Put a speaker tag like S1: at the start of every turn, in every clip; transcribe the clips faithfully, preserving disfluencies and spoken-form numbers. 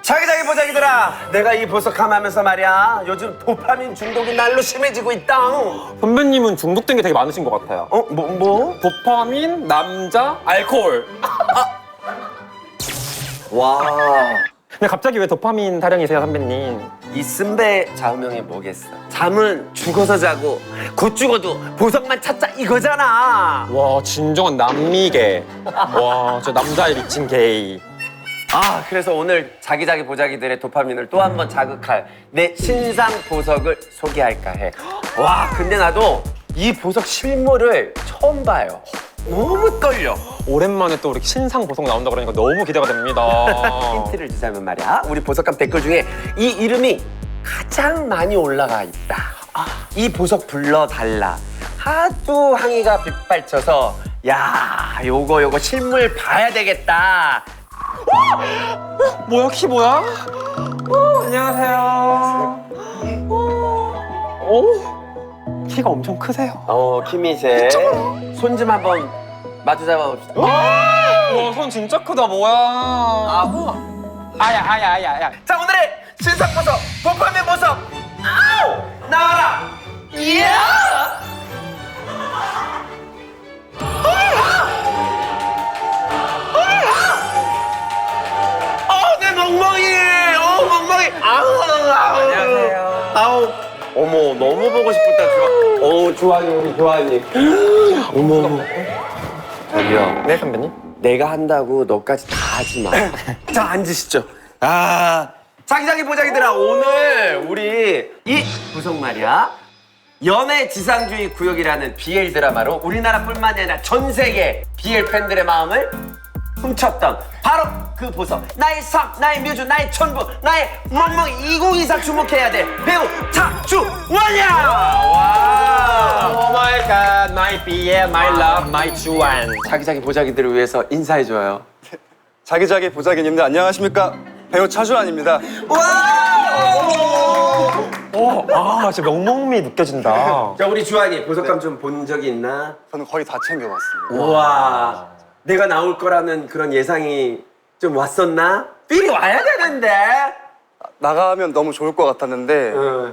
S1: 자기자기 보자기들아, 내가 이 보석함하면서 말이야 요즘 도파민 중독이 날로 심해지고 있다.
S2: 선배님은 중독된 게 되게 많으신 것 같아요.
S1: 어? 뭐? 뭐?
S2: 도파민, 남자, 알코올.
S1: 와,
S2: 근데 갑자기 왜 도파민 타령이세요, 선배님?
S1: 이 쓴배 좌우명이 뭐겠어? 잠은 죽어서 자고 곧 죽어도 보석만 찾자 이거잖아.
S2: 와, 진정한 남미계. 와, 저 남자에 미친 게이.
S1: 아, 그래서 오늘 자기자기 보자기들의 도파민을 또 한 번 자극할 내 신상 보석을 소개할까 해. 와, 근데 나도 이 보석 실물을 처음 봐요. 너무 떨려.
S2: 오랜만에 또 이렇게 신상 보석 나온다 그러니까 너무 기대가 됩니다.
S1: 힌트를 주자면 말이야, 우리 보석감 댓글 중에 이 이름이 가장 많이 올라가 있다. 아, 이 보석 불러달라. 하도 항의가 빗발쳐서 야, 요거 요거 실물 봐야 되겠다.
S2: 뭐야, 키 뭐야? 어, 안녕하세요. 오, 키가 엄청 크세요.
S1: 어, 키미세. 손 좀 한번 마주 잡아봅시다.
S2: 와, 손 진짜 크다, 뭐야.
S1: 아,
S2: 아야, 아야, 아야, 아야.
S1: 자, 오늘의 신상 보석, 도파민 보석. 아우! 나와라. 이야! 어, 내 멍멍이. 어, 멍멍이. 아우, 아우.
S2: 안녕하세요.
S1: 아우. 어머, 너무 보고 싶다, 좋아. 어, 좋아요, 우리 좋아님. 어머, 어머. 저기요.
S2: 네, 선배님?
S1: 내가 한다고 너까지 다 하지 마. 자, 앉으시죠. 아, 자기자기 보자기들아, 오늘 우리 이 구성 말이야, 연애 지상주의 구역이라는 비엘 드라마로 우리나라뿐만이 아니라 전 세계 비엘 팬들의 마음을 훔쳤던 바로 그 보석, 나의 석, 나의 뮤즈, 나의 천부, 나의 멍멍이 이공이사 주목해야 돼 배우 차주원이야. 와,
S2: 오 마이 갓, 마이 비엘, 마이 러브, 마이 주안.
S1: 자기자기 보자기들을 위해서 인사해줘요.
S3: 자기자기 보자기님들 안녕하십니까? 배우 차주환입니다.
S2: 오, 아, 진짜 명목미 느껴진다.
S1: 자, 우리 주한이 보석감 좀 본 적이 있나?
S3: 저는 거의 다 챙겨봤습니다.
S1: 우와, 내가 나올 거라는 그런 예상이 좀 왔었나? 삘이 와야 되는데.
S3: 나가면 너무 좋을 것 같았는데
S1: 어.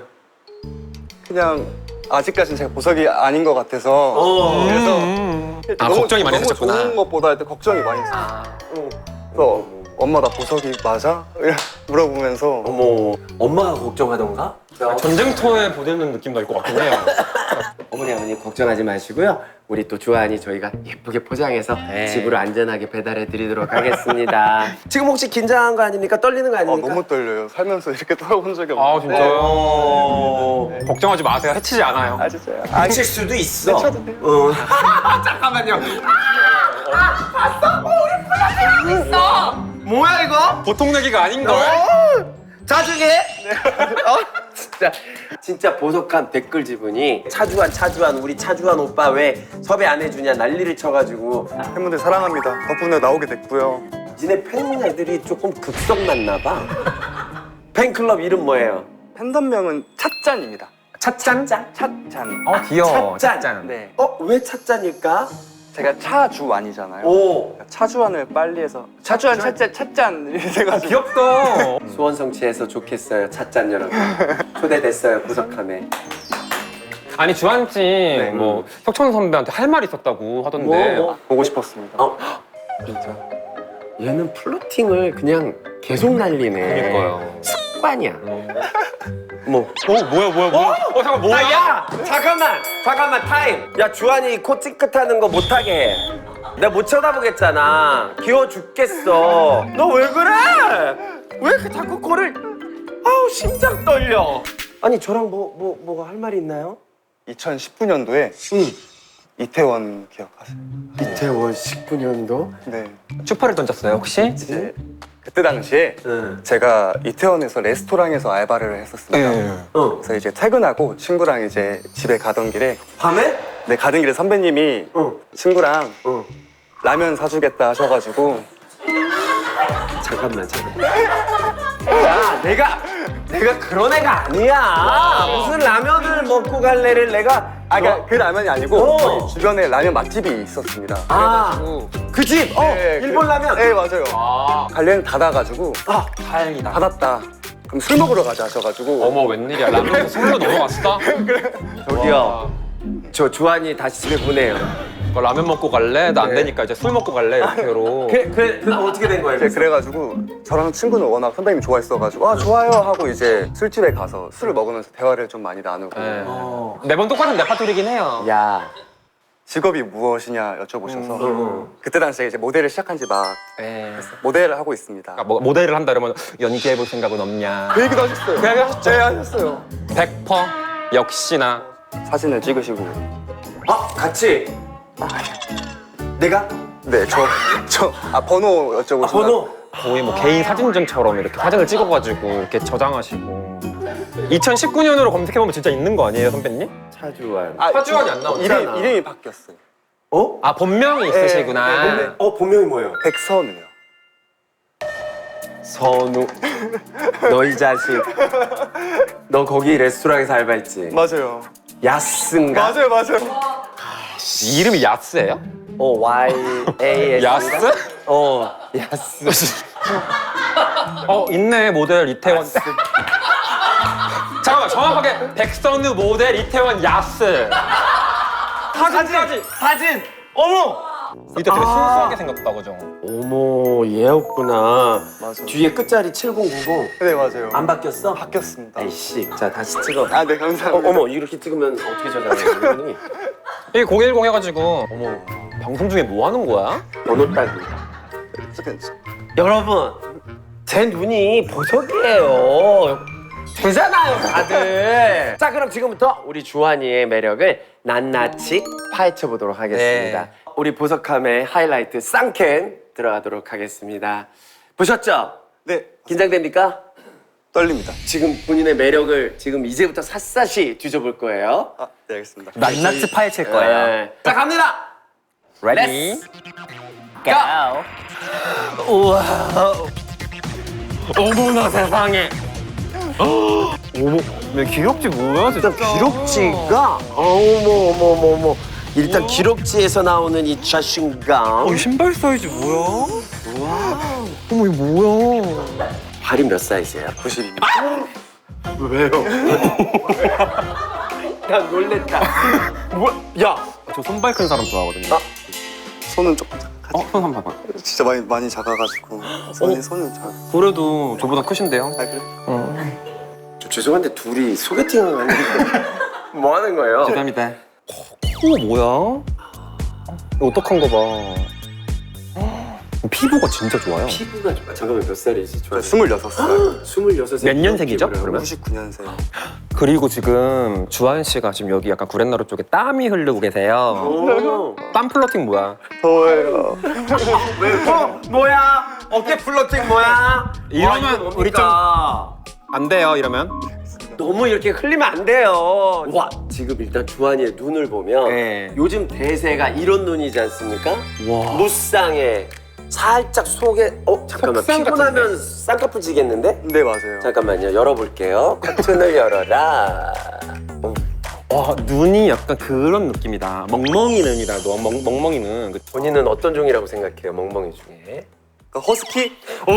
S3: 그냥 아직까지는 제가 보석이 아닌 것 같아서
S1: 어.
S3: 그래서
S2: 음. 아, 걱정이 많이
S3: 너무
S2: 되셨구나.
S3: 좋은 것보다 일단 걱정이 많이 있어요.
S1: 아,
S3: 그래서 엄마 나 보석이 맞아? 물어보면서
S1: 어머, 엄마가 걱정하던가?
S2: 전쟁터에 보내는 느낌 날 것 같긴 해요.
S1: 어머니 아버님 걱정하지 마시고요. 우리 또 주한이 저희가 예쁘게 포장해서 집으로 안전하게 배달해 드리도록 하겠습니다. 지금 혹시 긴장한 거 아닙니까? 떨리는 거
S3: 아,
S1: 아닙니까?
S3: 너무 떨려요. 살면서 이렇게 떨어본 적이
S2: 아,
S3: 없는데.
S2: 진짜요?
S1: 어...
S2: 걱정하지 마세요. 해치지 않아요.
S3: 아 진짜요?
S1: 안 칠 수도 있어.
S3: 쳐도 돼요.
S1: 어. 잠깐만요. 아, 아, 봤어? 어, 우리 플라팅 있어. 뭐야 이거?
S2: 보통 내기가 아닌걸?
S1: 자중해. 어? 진짜 진짜 보석한 댓글 지분이 차주한 차주한 우리 차주한 오빠 왜 섭외 안 해주냐 난리를 쳐가지고
S3: 팬분들 사랑합니다. 덕분에 나오게 됐고요.
S1: 니네 팬 애들이 조금 극성났나 봐. 팬클럽 이름 뭐예요?
S3: 팬덤명은 찻잔입니다.
S2: 찻잔?
S3: 찻잔.
S2: 어, 귀여워.
S1: 찻잔.
S3: 네.
S1: 어? 왜 찻잔일까?
S3: 제가 차주환이잖아요.
S1: 오,
S3: 차주환을 빨리 해서 차주환 찻잔 찻잔 이렇게 돼가지고
S2: 귀엽다.
S1: 수원 성취해서 좋겠어요. 찻잔 여러분. 초대됐어요 구석함에.
S2: 아니, 주한씨, 뭐, 혁천 선배한테 할 말 있었다고 하던데.
S1: 뭐, 뭐?
S3: 보고 싶었습니다.
S1: 어? 진짜 얘는 플로팅을 그냥 계속 날리네.
S2: 그러니까요.
S1: 습관이야. 뭐?
S2: 어, 뭐야, 뭐야, 뭐야. 어, 잠깐, 뭐야?
S1: 아, 야! 잠깐만! 잠깐만, 타임! 야, 주한이 코 찌끗하는 거 못하게 해. 내가 못 쳐다보겠잖아. 귀여워 죽겠어. 너 왜 그래? 왜 이렇게 자꾸 코를... 아우, 심장 떨려. 아니, 저랑 뭐, 뭐, 뭐가 할 말이 있나요?
S3: 이천십구 년도에
S1: 응.
S3: 이태원 기억하세요?
S1: 이태원 십구 년도?
S3: 네.
S2: 추파를 던졌어요, 혹시?
S3: 이제 그때 당시에
S1: 응.
S3: 제가 이태원에서 레스토랑에서 알바를 했었습니다.
S2: 네.
S1: 어.
S3: 그래서 이제 퇴근하고 친구랑 이제 집에 가던 길에
S1: 밤에?
S3: 네 가던 길에 선배님이
S1: 어.
S3: 친구랑
S1: 어.
S3: 라면 사주겠다 하셔가지고
S1: 잠깐만, 잠깐만. 야, 내가 내가 그런 애가 아니야. 무슨 라면을 먹고 갈래를 내가.
S3: 아, 그러니까 그 라면이 아니고
S1: 어.
S3: 거기 주변에 라면 맛집이 있었습니다.
S1: 아, 그 집. 어,
S3: 네,
S1: 일본
S3: 그-
S1: 라면.
S3: 네, 맞아요.
S2: 아,
S3: 관련 닫아가지고
S1: 아,
S2: 다행이다.
S3: 닫았다. 그럼 술 먹으러 가자 하셔가지고
S2: 어머, 웬일이야. 라면에서 술로 넘어갔어?
S1: 저기요.
S2: 와.
S1: 저 주한이 다시 집에 보내요.
S2: 뭐 라면 먹고 갈래? 나 안 되니까 이제 술 먹고 갈래? 이렇게로.
S1: 그, 그, 그 어떻게 된 거예요?
S3: 이제 그래가지고 저랑 친구는 워낙 선배님이 좋아했어가지고 아 좋아요 하고 이제 술집에 가서 술을 먹으면서 대화를 좀 많이 나누고
S2: 네.
S1: 어.
S2: 매번 똑같은 레파토리긴 해요.
S1: 야.
S3: 직업이 무엇이냐 여쭤보셔서
S1: 음.
S3: 그때 당시에 이제 모델을 시작한 지 막
S2: 네.
S3: 모델을 하고 있습니다.
S2: 그러니까 뭐 모델을 한다 그러면 연기해볼 생각은 없냐?
S3: 그 얘기도 하셨어요.
S2: 그 얘기 하셨죠?
S3: 네, 하셨어요.
S2: 백 퍼센트 역시나.
S3: 사진을 찍으시고
S1: 아, 같이. 내가?
S3: 네, 저, 저, 아, 번호 여쭤보시면
S1: 아, 번호.
S2: 거의 뭐 개인 사진전처럼 이렇게 사진을 찍어가지고 이렇게 저장하시고. 이천십구 년으로 검색해보면 진짜 있는 거 아니에요, 선배님?
S1: 차주환.
S3: 아,
S2: 사주환이 안 나오잖아.
S3: 이름, 이름이 바뀌었어요.
S1: 어?
S2: 아, 본명이 있으시구나.
S3: 네, 네, 네.
S1: 어, 본명이 뭐예요?
S3: 백선우요.
S1: 선우. 너 이 자식. 너 거기 레스토랑에서 알바했지?
S3: 맞아요.
S1: 야스인가?
S3: 맞아요, 맞아요.
S2: 이름이 야스예요?
S1: 어, Y A S.
S2: 야스?
S1: 어, 야스.
S2: 어, 있네, 모델 이태원. 잠깐만, 정확하게 백선우 모델 이태원 야스. 사진까지.
S1: 사진. 어머.
S2: 이때 되게
S1: 아.
S2: 순수하게 생겼다, 그죠?
S1: 어머, 얘였구나.
S3: 맞아.
S1: 뒤에 끝자리 칠공구공.
S3: 네, 맞아요.
S1: 안 바뀌었어?
S3: 바뀌었습니다.
S1: 아이씨. 자, 다시 찍어.
S3: 아, 네,
S1: 어,
S3: 감사합니다.
S1: 어머, 이렇게 찍으면 어떻게 저장해?
S2: 이게 공일공 해가지고, 어머, 방송 중에 뭐 하는 거야?
S1: 번호 따기.
S3: 잠깐,
S1: 여러분, 제 눈이 보석이에요. 되잖아요, 다들. 자, 그럼 지금부터 우리 주한이의 매력을 낱낱이 파헤쳐 보도록 하겠습니다.
S2: 네.
S1: 우리 보석함의 하이라이트 쌍캔 들어가도록 하겠습니다. 보셨죠?
S3: 네,
S1: 긴장됩니까?
S3: 떨립니다.
S1: 지금 본인의 매력을 지금 이제부터 샅샅이 뒤져볼 거예요.
S3: 아, 네, 알겠습니다.
S4: 낱낱이 파헤칠
S1: 네. 자, 갑니다.
S2: 레디?
S1: 고!
S2: 우와. 어머나 세상에.
S1: 어머,
S2: 왜 기록지 뭐야, 진짜?
S1: 일단 기록지가 어머 어머 어머 어머 일단 기록지에서 나오는 이 자신감.
S2: 어, 신발 사이즈 뭐야? 우와. 어머, 이거 뭐야?
S1: 발이 몇 사이즈야?
S3: 구십입니다.
S1: 왜요? 야 놀랬다. 뭐야? 야,
S2: 저 손발 큰 사람 좋아하거든요.
S1: 아.
S3: 손은 조금 작아.
S2: 어, 손 한번 봐봐.
S3: 진짜 많이 많이 작아가지고 손이 손은 작.
S2: 그래도 저보다 크신데요?
S3: 아, 그래?
S1: 저 죄송한데 둘이 소개팅을 하는 뭐 하는 거예요?
S2: 죄송합니다. 코 뭐야? 이거 어떡한 거 봐. 피부가 진짜 좋아요.
S1: 피부가 좋아. 잠깐만 몇 살이지?
S3: 저 스물여섯 살.
S1: 스물여섯 살.
S2: 몇 년생이죠, 그러면?
S3: 구십구 년생.
S2: 그리고 지금 주한 씨가 지금 여기 약간 구렛나루 쪽에 땀이 흐르고 계세요.
S1: 오.
S2: 땀 플러팅 뭐야?
S3: 더워요.
S1: 왜? 어, 뭐야? 어깨 플러팅 뭐야?
S2: 이러면
S1: 와, 이거
S2: 우리
S1: 뭡니까?
S2: 안 돼요, 이러면.
S1: 너무 이렇게 흘리면 안 돼요. 와, 지금 일단 주한이의 눈을 보면
S2: 네.
S1: 요즘 대세가 이런 눈이지 않습니까?
S2: 와.
S1: 무쌍에 살짝 속에 어 잠깐만
S2: 속상
S1: 피곤하면 쌍꺼풀 지겠는데?
S3: 네, 맞아요.
S1: 잠깐만요, 열어볼게요. 커튼을 열어라. 어,
S2: 와, 눈이 약간 그런 느낌이다. 멍멍이 눈이다, 너 멍, 멍멍이 눈. 그-
S1: 본인은 어떤 종이라고 생각해요, 멍멍이 중에?
S3: 그 허스키?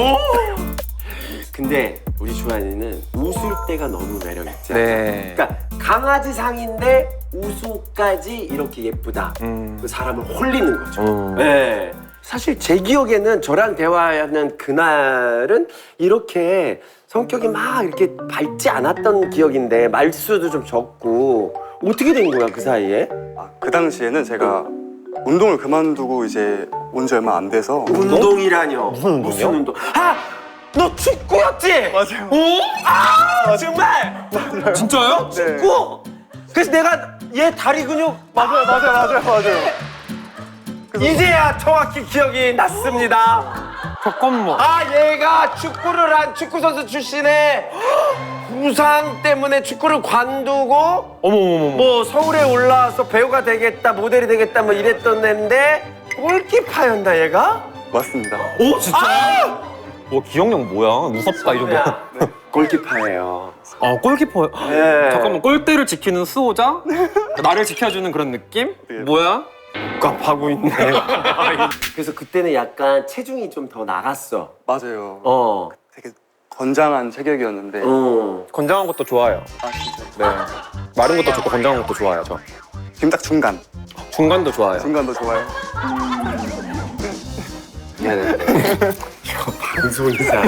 S1: 근데 우리 주한이는 웃을 때가 너무 매력있지.
S2: 네.
S1: 그러니까 강아지 상인데 웃음까지 이렇게 예쁘다.
S2: 음.
S1: 그 사람을 홀리는 거죠.
S2: 음.
S1: 네. 사실 제 기억에는 저랑 대화하는 그날은 이렇게 성격이 막 이렇게 밝지 않았던 기억인데 말수도 좀 적고 어떻게 된 거야 그 사이에?
S3: 아, 그 당시에는 제가 운동을 그만두고 이제 온 지 얼마 안 돼서
S1: 운동이라뇨?
S2: 무슨 운동이요?
S1: 무슨 운동? 아! 너 축구였지?
S3: 맞아요.
S1: 오? 아! 정말?
S2: 진짜요?
S3: 네.
S1: 축구? 그래서 내가 얘 다리 근육
S3: 맞아요, 맞아요, 맞아요, 맞아요.
S1: 이제야 정확히 기억이 났습니다.
S2: 잠깐만.
S1: 아, 얘가 축구를 한 축구 선수 출신에 부상 때문에 축구를 관두고
S2: 어머머머.
S1: 뭐 서울에 올라와서 배우가 되겠다, 모델이 되겠다 뭐 이랬던 애인데 골키퍼였나 얘가?
S3: 맞습니다.
S2: 오, 진짜? 와, 기억력 뭐야? 무섭다, 이 정도.
S1: 야, 골키퍼예요.
S2: 어 골키퍼.
S1: 네.
S2: 잠깐만 골대를 지키는 수호자? 나를 지켜주는 그런 느낌? 뭐야? 깝하고 있네.
S1: 그래서 그때는 약간 체중이 좀 더 나갔어.
S3: 맞아요.
S1: 어.
S3: 되게 건장한 체격이었는데
S1: 어.
S2: 건장한 것도 좋아요.
S3: 아 진짜
S2: 네. 마른 것도 좋고 건장한 것도 좋아요. 저.
S3: 지금 딱 중간
S2: 중간도 좋아요.
S3: 중간도 좋아요.
S1: 미안해. 이거 방송이잖아.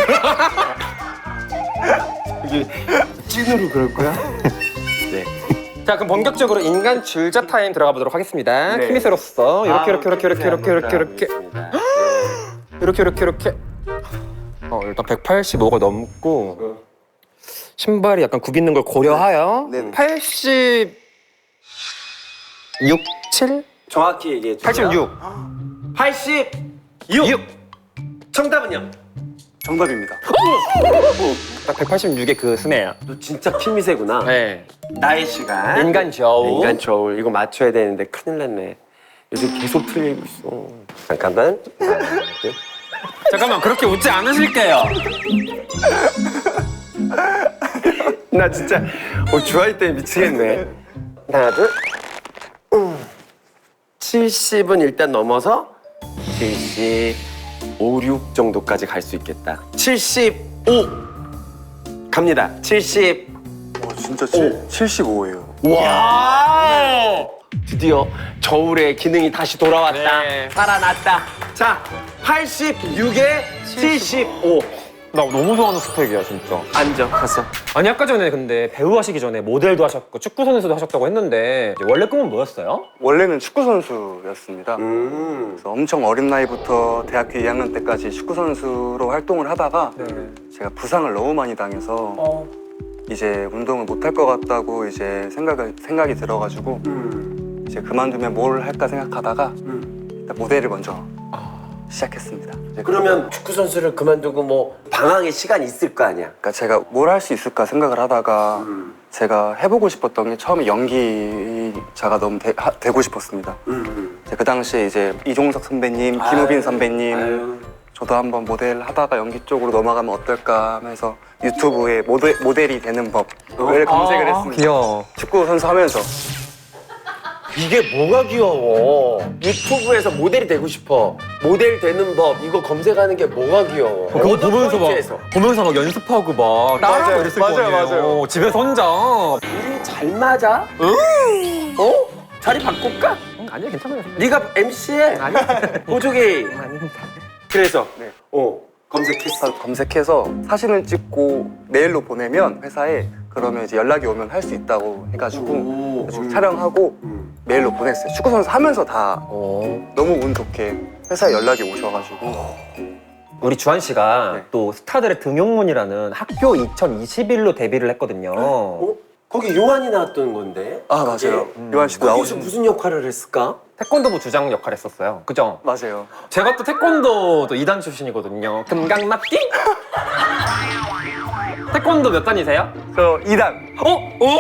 S1: 이게 찐으로 그럴 거야? 네.
S2: 자 그럼 본격적으로 인간 줄자 타임 들어가 보도록 하겠습니다.
S1: 네.
S2: 키미세로서 이렇게
S1: 아,
S2: 이렇게 이렇게 이렇게 이렇게 이렇게 이렇게
S1: 있습니다.
S2: 이렇게 이렇게 이렇게. 어 일단 백팔십오가 넘고 신발이 약간 굽있는 걸 고려하여
S3: 네네.
S2: 팔십육, 칠?
S1: 정확히 얘기해 주세요.
S2: 팔십육.
S1: 팔십육. 정답은요?
S3: 정답입니다.
S2: 딱 백팔십육의 그 스네야.
S1: 너 진짜 피미세구나.
S2: 네.
S1: 나의 시간.
S2: 인간 저우.
S1: 인간 저울. 이거 맞춰야 되는데 큰일 났네. 요즘 계속 틀리고 있어. 잠깐만. 하나, 둘.
S2: 잠깐만 그렇게 웃지 않으실게요.
S1: 나 진짜 어, 주아이 때문에 미치겠네. 하나, 둘. 음. 칠십은 일단 넘어서 칠십오, 육 정도까지 갈 수 있겠다. 칠십오 갑니다. 칠십.
S3: 어, 진짜 칠, 칠십오예요.
S1: 와! 드디어 저울의 기능이 다시 돌아왔다.
S2: 네.
S1: 살아났다. 자, 팔십육에 칠십오.
S2: 나 너무 좋아하는 스펙이야 진짜.
S1: 앉아, 가서.
S2: 아니 아까 전에 근데 배우 하시기 전에 모델도 하셨고 축구 선수도 하셨다고 했는데 이제 원래 꿈은 뭐였어요?
S3: 원래는 축구 선수였습니다.
S1: 음.
S3: 그래서 엄청 어린 나이부터 대학교 이 학년 때까지 축구 선수로 활동을 하다가 제가 부상을 너무 많이 당해서
S2: 어.
S3: 이제 운동을 못 할 것 같다고 이제 생각을 생각이 들어가지고
S1: 음.
S3: 이제 그만두면 뭘 할까 생각하다가
S1: 음.
S3: 일단 모델을 먼저 시작했습니다. 이제
S1: 그러면 축구 선수를 그만두고 뭐 방황의 시간이 있을 거 아니야?
S3: 그러니까 제가 뭘 할 수 있을까 생각을 하다가
S1: 음.
S3: 제가 해보고 싶었던 게 처음에 연기자가 너무 되, 하, 되고 싶었습니다.
S1: 음.
S3: 이제 그 당시에 이제 이종석 선배님, 김우빈 선배님,
S1: 아유.
S3: 저도 한번 모델 하다가 연기 쪽으로 넘어가면 어떨까 하면서 유튜브에 모델, 모델이 되는 법을 검색을 했습니다.
S2: 귀여워.
S3: 축구 선수 하면서
S1: 이게 뭐가 귀여워? 유튜브에서 모델이 되고 싶어. 모델 되는 법 이거 검색하는 게 뭐가 귀여워?
S2: 그거
S1: 어떤
S2: 보면서
S1: 포인트에서?
S2: 막 보면서 막 연습하고 막 따라하고
S3: 맞아요,
S2: 이랬을
S3: 맞아요,
S2: 거 아니에요.
S3: 맞아요.
S2: 집에서 혼자.
S1: 우리 잘 맞아? 응? 어? 자리 바꿀까?
S2: 아니요 괜찮아요.
S1: 네가 엠씨해. 보조개.
S2: 아닙니다.
S1: 그래서
S3: 네.
S1: 어 검색했어.
S3: 검색해서 사진을 찍고 메일로 보내면 회사에 그러면 이제 연락이 오면 할 수 있다고 해가지고
S1: 오.
S3: 그래서 촬영하고
S1: 음.
S3: 메일로 보냈어요. 축구 선수 하면서 다
S2: 어.
S3: 너무 운 좋게 회사에 연락이 오셔가지고
S2: 우리 주한 씨가
S3: 네.
S2: 또 스타들의 등용문이라는 학교 이천이십일로 데뷔를 했거든요.
S1: 어? 거기 요한이 나왔던 건데.
S3: 아 맞아요.
S1: 그게?
S3: 요한 씨도
S1: 거기서
S3: 나오신
S1: 무슨 역할을 했을까?
S2: 태권도부 주장 역할 했었어요. 그죠?
S3: 맞아요.
S2: 제가 또 태권도도 이 단 출신이거든요. 금강맞기? 태권도 몇 단이세요?
S3: 저 이 단
S2: 어?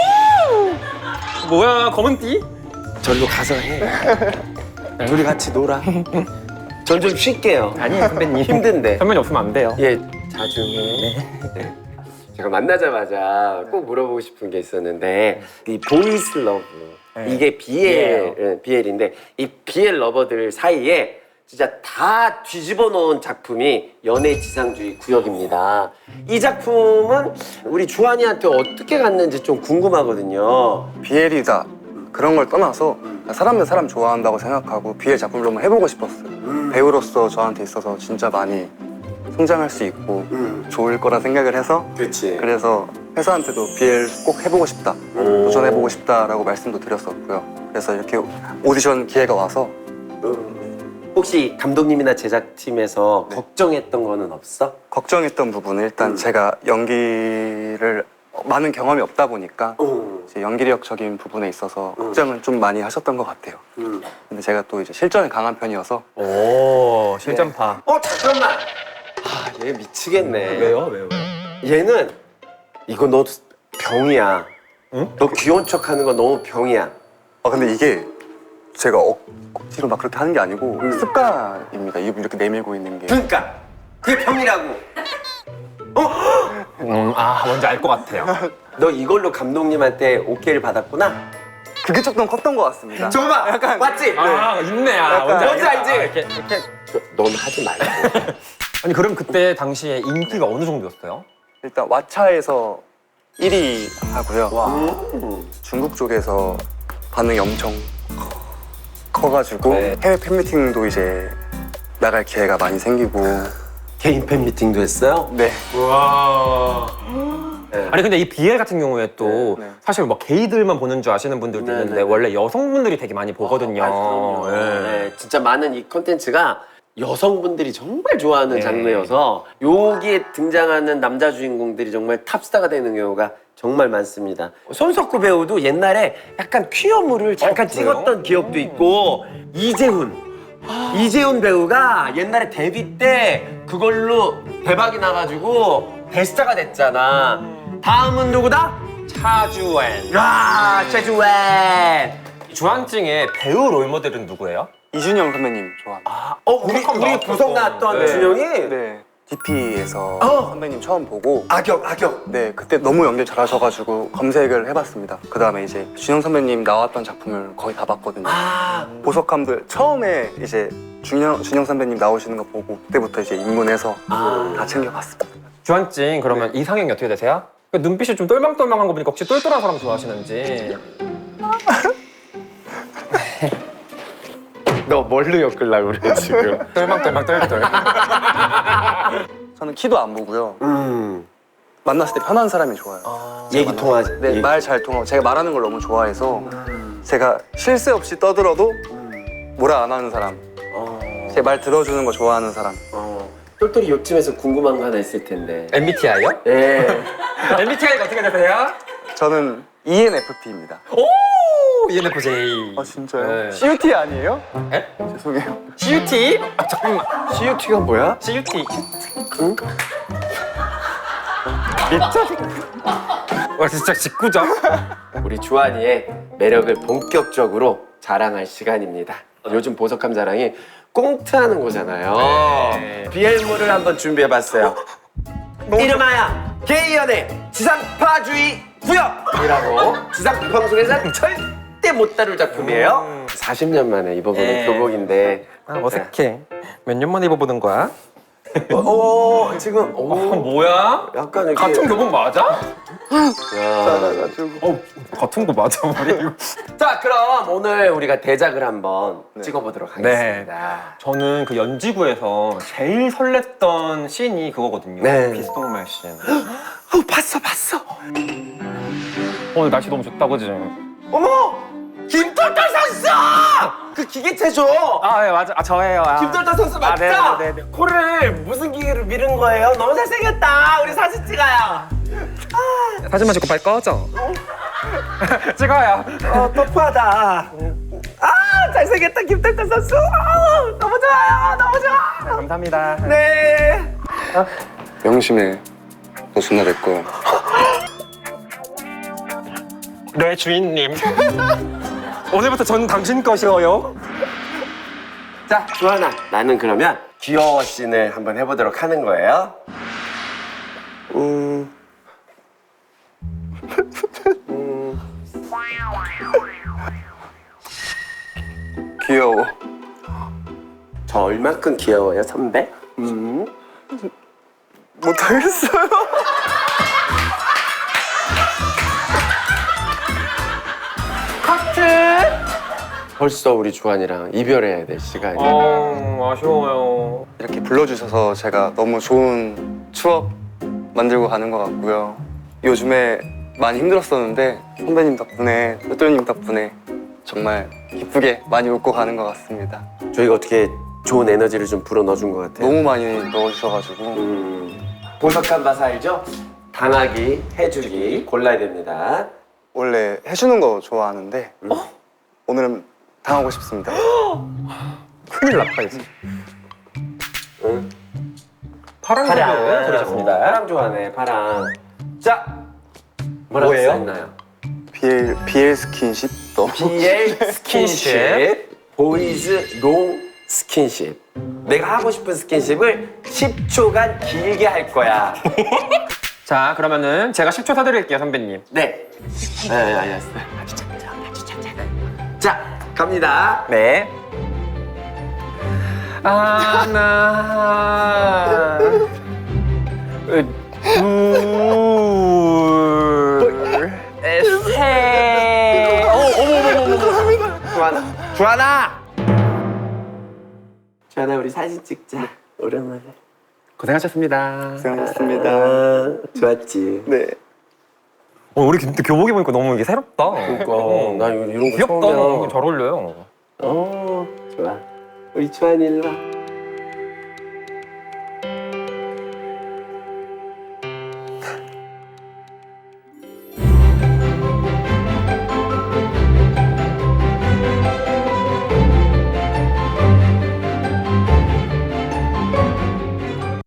S2: 오! 뭐야 검은 띠?
S1: 절로 가서 해. 우리 같이 놀아. 전 좀 쉴게요.
S2: 아니에요 선배님.
S1: 힘든데.
S2: 선배님 없으면 안 돼요.
S1: 예, 자주 해. 네. 제가 만나자마자 꼭 물어보고 싶은 게 있었는데 이 보이스 러브
S2: 네.
S1: 이게 비엘 예, 비엘인데 이 비엘 러버들 사이에 진짜 다 뒤집어 놓은 작품이 연애 지상주의 구역입니다. 이 작품은 우리 주한이한테 어떻게 갔는지 좀 궁금하거든요.
S3: 비엘이다 그런 걸 떠나서 사람들 사람 좋아한다고 생각하고 비엘 작품을 한번 해보고 싶었어요. 배우로서 저한테 있어서 진짜 많이 성장할 수 있고
S1: 음.
S3: 좋을 거라 생각을 해서
S1: 그렇지.
S3: 그래서 회사한테도 비엘 꼭 해보고 싶다 도전해보고 싶다라고 말씀도 드렸었고요. 그래서 이렇게 오디션 기회가 와서
S1: 혹시 감독님이나 제작팀에서
S3: 네.
S1: 걱정했던 거는 없어?
S3: 걱정했던 부분은 일단
S1: 음.
S3: 제가 연기를 많은 경험이 없다 보니까
S1: 음.
S3: 이제 연기력적인 부분에 있어서
S1: 음.
S3: 걱정은 좀 많이 하셨던 것 같아요.
S1: 음.
S3: 근데 제가 또 이제 실전에 강한 편이어서
S2: 오 실전파.
S1: 어 잠깐만. 아, 얘 미치겠네.
S2: 왜요? 왜요?
S1: 얘는 이거 너 병이야.
S2: 응?
S1: 너 귀여운 척하는 거 너무 병이야.
S3: 아 근데 이게 제가 억, 억지로 막 그렇게 하는 게 아니고
S1: 음.
S3: 습관입니다. 입 이렇게 내밀고 있는 게.
S1: 그러니까 그게 병이라고. 어?
S2: 음, 아 뭔지 알 것 같아요.
S1: 너 이걸로 감독님한테 오케이를 받았구나?
S3: 그게 조금 컸던 것 같습니다.
S1: 잠깐만! 약간 맞지?
S2: 아 있네. 아,
S3: 약간-
S1: 뭔지
S2: 알겠다.
S1: 알지?
S2: 아, 이렇게, 이렇게.
S1: 넌 하지 말고.
S2: 아니 그럼 그때 당시에 인기가 어느 정도였어요?
S3: 일단 왓챠에서 일 위 하고요.
S1: 음.
S3: 중국 쪽에서 반응이 엄청 커가지고
S1: 네.
S3: 해외 팬미팅도 이제 나갈 기회가 많이 생기고.
S1: 개인 팬 미팅도 했어요?
S3: 네.
S2: 와. 아니 근데 이 비엘 같은 경우에 또
S3: 네, 네.
S2: 사실 뭐 게이들만 보는 줄 아시는 분들도
S1: 네,
S2: 있는데
S1: 네, 네.
S2: 원래 여성분들이 되게 많이 보거든요.
S1: 아, 그럼요.
S2: 네.
S1: 네, 진짜 많은 이 콘텐츠가 여성분들이 정말 좋아하는
S2: 네.
S1: 장르여서 여기에 등장하는 남자 주인공들이 정말 탑스타가 되는 경우가 정말 많습니다. 손석구 배우도 옛날에 약간 퀴어물을 잠깐
S2: 어, 그래요?
S1: 찍었던 기억도 있고 이재훈 이재훈 배우가 옛날에 데뷔 때 그걸로 대박이 나가지고 대스타가 됐잖아. 다음은 누구다?
S2: 차주엔.
S1: 아, 최주엔.
S2: 주한증의 배우 롤모델은 누구예요?
S3: 이준영 선배님 좋아합니다.
S1: 아, 어, 우리,
S2: 구석
S1: 우리
S2: 나왔었어.
S1: 구석 나왔던
S2: 네.
S1: 준영이?
S3: 네. 디피에서
S1: 어.
S3: 선배님 처음 보고
S1: 악역, 악역.
S3: 네, 그때 너무 연기 잘하셔가지고 검색을 해봤습니다. 그 다음에 이제 준영 선배님 나왔던 작품을 거의 다 봤거든요.
S1: 아,
S3: 보석함들 처음에 이제 준영, 준영 선배님 나오시는 거 보고 그때부터 이제 입문해서
S1: 아.
S3: 다 챙겨봤습니다.
S2: 주한증 그러면 이상형이 어떻게 되세요? 그 눈빛이 좀 똘망똘망한 거 보니까 혹시 똘똘한 사람 좋아하시는지.
S1: 너 뭘로 엮으려고 그래, 지금?
S2: 똘망똘망 똘똘.
S3: 저는 키도 안 보고요.
S1: 음.
S3: 만났을 때 편한 사람이 좋아요.
S1: 얘기 통하지.
S3: 네,
S1: 얘기.
S3: 말 잘 통하고 제가 말하는 걸 너무 좋아해서 제가 쉴 새 없이 떠들어도 뭐라 안 하는 사람.
S1: 어.
S3: 제 말 들어주는 거 좋아하는 사람.
S1: 어. 똘똘이 요쯤에서 궁금한 거 하나 있을 텐데.
S2: 엠비티아이요?
S1: 예.
S2: 엠비티아이가 어떻게 되세요?
S3: 저는 이엔에프피입니다.
S2: 오! 이엔에프제이.
S3: 아 진짜요?
S2: 네.
S3: 씨유티 아니에요?
S2: 에?
S3: 죄송해요.
S2: 씨유티? 아 잠깐만.
S1: 씨유티가 뭐야?
S2: 씨유티. 응? 미쳐. 와 진짜 직구죠?
S1: 우리 주한이의 매력을 본격적으로 자랑할 시간입니다. 요즘 보석함 자랑이 꽁트하는 거잖아요.
S2: 네.
S1: 비엘물을 한번 준비해봤어요. 이름하여 게이연의 지상파주의 구역이라고 지상파 방송에서는 절대 못 다룰 작품이에요. 사십 년 만에 입어보는
S2: 네.
S1: 교복인데
S2: 아, 어색해. 몇 년 만에 입어보는 거야?
S1: 어, 어, 지금
S2: 어,
S1: 오,
S2: 뭐야?
S1: 약간 이렇게
S2: 같은 교복 맞아?
S1: 야.
S2: 어, 같은 거 맞아 말이야.
S1: 자, 그럼 오늘 우리가 대작을 한번 찍어보도록 하겠습니다.
S2: 저는 그 연지구에서 제일 설렜던 씬이 그거거든요.
S1: 네.
S2: 비스동말 씬.
S1: 어, 봤어, 봤어.
S2: 오늘 날씨 너무 좋다, 그지?
S1: 어머! 김떨떨 선수! 그 기계체조!
S2: 아, 네, 맞아. 아, 저예요. 아.
S1: 김떨떨 선수 맞죠?
S2: 아, 네, 네, 네.
S1: 코를 무슨 기계로 밀은 거예요? 너무 잘생겼다. 우리 사진 찍어요.
S2: 사진만 찍고 빨리 꺼져. 찍어요.
S1: 어, 터프하다. 아, 잘생겼다, 김떨떨 선수. 아, 너무 좋아요. 너무 좋아.
S2: 감사합니다.
S1: 네.
S3: 명심해. 너 존나 내 거야.
S2: 네, 주인님. 오늘부터 전 당신 것이어요.
S1: 자, 주하나. 나는 그러면 귀여워 씬을 한번 해보도록 하는 거예요. 음. 음.
S3: 귀여워.
S1: 저 얼만큼 귀여워요, 선배? 음.
S3: 못하겠어요.
S1: 커트! 벌써 우리 주한이랑 이별해야 될 시간이.
S2: 어, 아쉬워요.
S3: 이렇게 불러주셔서 제가 너무 좋은 추억 만들고 가는 것 같고요. 요즘에 많이 힘들었었는데 선배님 덕분에, 똘똘님 덕분에 정말 기쁘게 많이 웃고 가는 것 같습니다.
S1: 저희가 어떻게 좋은 에너지를 좀 불어 넣어준 것 같아요.
S3: 너무 많이 넣어주셔가지고
S1: 음. 보석한 바사 알죠? 당하기, 해주기 골라야 됩니다.
S3: 원래 해주는 거 좋아하는데 오늘은 당하고 싶습니다.
S2: 큰일 났다, 이제.
S1: 응.
S2: 파란
S1: 파랑
S2: 색을 고르셨습니다.
S1: 파랑 좋아하네, 파랑. 자, 뭐라고
S2: 뭐예요?
S1: 써있나요?
S3: 비엘, 비엘 스킨십 또
S1: 비엘 스킨십, 보이즈 롱 스킨십. 내가 하고 싶은 스킨십을 십 초간 길게 할 거야.
S2: 자, 그러면은 제가 십 초 사드릴게요, 선배님.
S1: 네. 네, 알겠어요. 아주 작자, 아주 작자. 자, 갑니다.
S2: 네. 하나, 둘, 셋. 어, 어머, 어머, 어머, 어머.
S1: 주하나, 주하나. 주하나, 우리 사진 찍자. 오랜만에.
S2: 고생하셨습니다.
S3: 고생하셨습니다.
S1: 아, 좋았지.
S3: 네.
S2: 어, 우리 근데 교복 입으니까 너무 이게 새롭다.
S1: 그러니까
S2: 어.
S1: 나 이런 거
S2: 귀엽다.
S1: 처음이야.
S2: 잘 어울려요.
S1: 어, 좋아. 우리 주한이 일로 와.